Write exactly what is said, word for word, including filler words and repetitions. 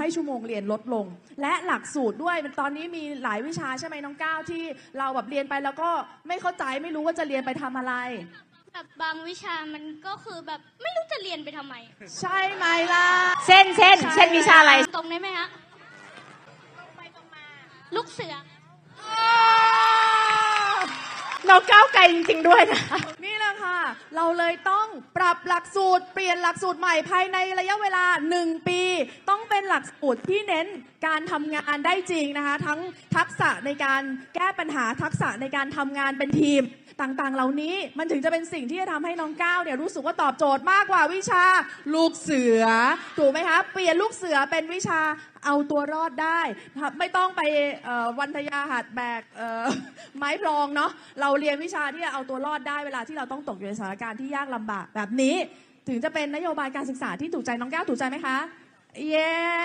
ให้ชั่วโมงเรียนลดลงและหลักสูตรด้วยมันตอนนี้มีหลายวิชาใช่ไหมน้องก้าวที่เราแบบเรียนไปแล้วก็ไม่เข้าใจไม่รู้ว่าจะเรียนไปทำอะไรแบบบางวิชามันก็คือแบบไม่รู้จะเรียนไปทำไมใช่ไหมล่ะเช่นเช่นเช่นวิชาอะไรตรงได้ไหมฮะตรงไปตรงมาลูกเสือน้องก้าวไกลจริงๆด้วยนะนี่แหละค่ะเราเลยต้องปรับหลักสูตรเปลี่ยนหลักสูตรใหม่ภายในระยะเวลาหนึ่งปีต้องเป็นหลักสูตรที่เน้นการทำงานได้จริงนะคะทั้งทักษะในการแก้ปัญหาทักษะในการทำงานเป็นทีมต่างๆเหล่านี้มันถึงจะเป็นสิ่งที่จะทำให้น้องก้าวเนี่ยรู้สึกว่าตอบโจทย์มากกว่าวิชาลูกเสือถูกไหมคะเปลี่ยนลูกเสือเป็นวิชาเอาตัวรอดได้ไม่ต้องไปวันทยาหัดแบกไม้พลองเนาะเราเรียนวิชาที่จะเอาตัวรอดได้เวลาที่เราต้องตกอยู่ในสถานการณ์ที่ยากลำบากแบบนี้ถึงจะเป็นนโยบายการศึกษาที่ถูกใจน้องก้าวถูกใจไหมคะเย้